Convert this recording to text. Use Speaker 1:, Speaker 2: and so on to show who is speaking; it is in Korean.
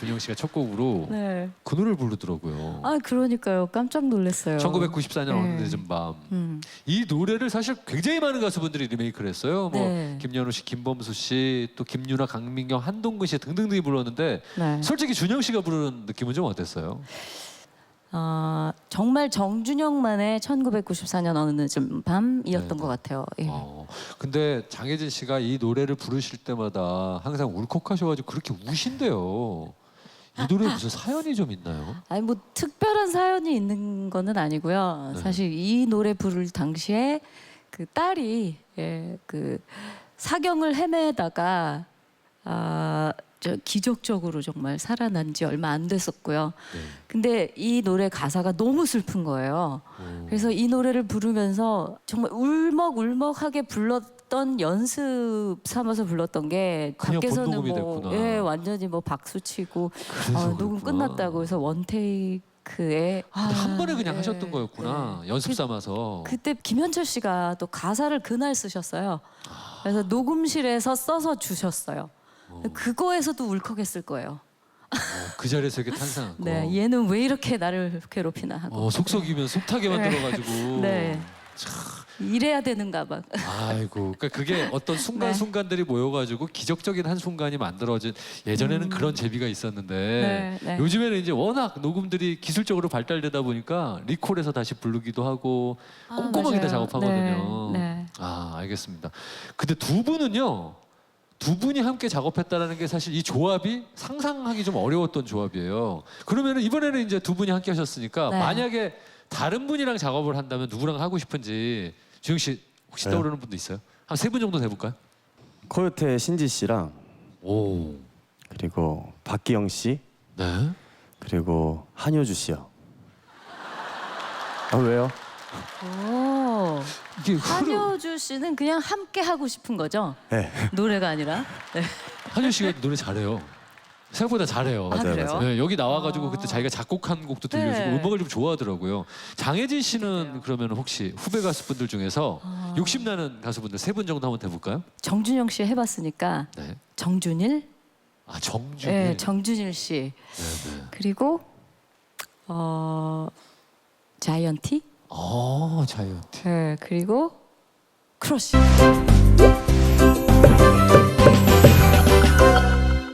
Speaker 1: 준영 씨가 첫 곡으로
Speaker 2: 네.
Speaker 1: 그 노래를 부르더라고요.
Speaker 2: 아 그러니까요. 깜짝 놀랐어요.
Speaker 1: 1994년
Speaker 2: 네.
Speaker 1: 어느 늦은 밤. 이 노래를 사실 굉장히 많은 가수분들이 리메이크를 했어요. 뭐
Speaker 2: 네.
Speaker 1: 김연우 씨, 김범수 씨, 또 김유나, 강민경, 한동근 씨 등등등이 불렀는데
Speaker 2: 네.
Speaker 1: 솔직히 준영 씨가 부르는 느낌은 좀 어땠어요?
Speaker 2: 정말 정준영만의 1994년 어느 늦은 밤이었던
Speaker 1: 네네.
Speaker 2: 것 같아요. 예.
Speaker 1: 근데 장혜진 씨가 이 노래를 부르실 때마다 항상 울컥하셔가지고 그렇게 우신대요. 이 노래에 무슨 사연이 좀 있나요?
Speaker 2: 아니 뭐 특별한 사연이 있는 거는 아니고요.
Speaker 1: 네.
Speaker 2: 사실 이 노래 부를 당시에 그 딸이 그 사경을 헤매다가 저 기적적으로 정말 살아난 지 얼마 안 됐었고요.
Speaker 1: 네.
Speaker 2: 근데 이 노래 가사가 너무 슬픈 거예요. 그래서 이 노래를 부르면서 정말 울먹울먹하게 불렀던 연습 삼아서 불렀던 게
Speaker 1: 그냥
Speaker 2: 밖에서는
Speaker 1: 본녹음이
Speaker 2: 뭐
Speaker 1: 됐구나.
Speaker 2: 완전히 뭐 박수 치고
Speaker 1: 그래서
Speaker 2: 녹음
Speaker 1: 그렇구나.
Speaker 2: 끝났다고 해서 원테이크에
Speaker 1: 근데 한 번에 그냥
Speaker 2: 네,
Speaker 1: 하셨던 거였구나. 연습 삼아서.
Speaker 2: 그때 김현철 씨가 또 가사를 그날 쓰셨어요. 그래서 녹음실에서 써서 주셨어요. 그거에서도 울컥했을 거예요.
Speaker 1: 그 자리에서 이렇게 탄생한 거.
Speaker 2: 네, 얘는 왜 이렇게 나를 괴롭히나 하고.
Speaker 1: 속썩이면 속타게 만들어가지고.
Speaker 2: 네. 이래야 되는가 봐.
Speaker 1: 아이고, 그러니까 그게 어떤 순간순간들이 모여가지고 기적적인 한 순간이 만들어진. 예전에는 그런 재미가 있었는데
Speaker 2: 네, 네.
Speaker 1: 요즘에는 이제 워낙 녹음들이 기술적으로 발달되다 보니까 리콜해서 다시 부르기도 하고 꼼꼼하게 다
Speaker 2: 맞아요.
Speaker 1: 작업하거든요.
Speaker 2: 네, 네.
Speaker 1: 알겠습니다. 근데 두 분은요. 두 분이 함께 작업했다라는 게 사실 이 조합이 상상하기 좀 어려웠던 조합이에요. 그러면 이번에는 이제 두 분이 함께 하셨으니까
Speaker 2: 네.
Speaker 1: 만약에 다른 분이랑 작업을 한다면 누구랑 하고 싶은지 주영 씨 혹시
Speaker 3: 네.
Speaker 1: 떠오르는 분도 있어요? 한 세 분 정도 해볼까요?
Speaker 3: 코요태 신지 씨랑
Speaker 1: 오,
Speaker 3: 그리고 박기영 씨
Speaker 1: 네.
Speaker 3: 그리고 한효주 씨요. 왜요?
Speaker 2: 오,
Speaker 1: 이게
Speaker 2: 한효주 씨는 그냥 함께 하고 싶은 거죠?
Speaker 3: 네.
Speaker 2: 노래가 아니라. 네.
Speaker 1: 한효 씨가 노래 잘해요. 생각보다 잘해요.
Speaker 2: 아, 그래요?
Speaker 3: 맞아요.
Speaker 1: 네, 여기 나와가지고 그때 자기가 작곡한 곡도 들려주고
Speaker 2: 네.
Speaker 1: 음악을 좀 좋아하더라고요. 장혜진 씨는 그러면 혹시 후배 가수분들 중에서 욕심나는 가수분들 세 분 정도 한번 해볼까요?
Speaker 2: 정준영 씨 해봤으니까
Speaker 1: 네.
Speaker 2: 정준일,
Speaker 1: 정준일.
Speaker 2: 네, 정준일 씨
Speaker 1: 네.
Speaker 2: 그리고 자이언티,
Speaker 1: 자이언티.
Speaker 2: 네, 그리고 크러쉬.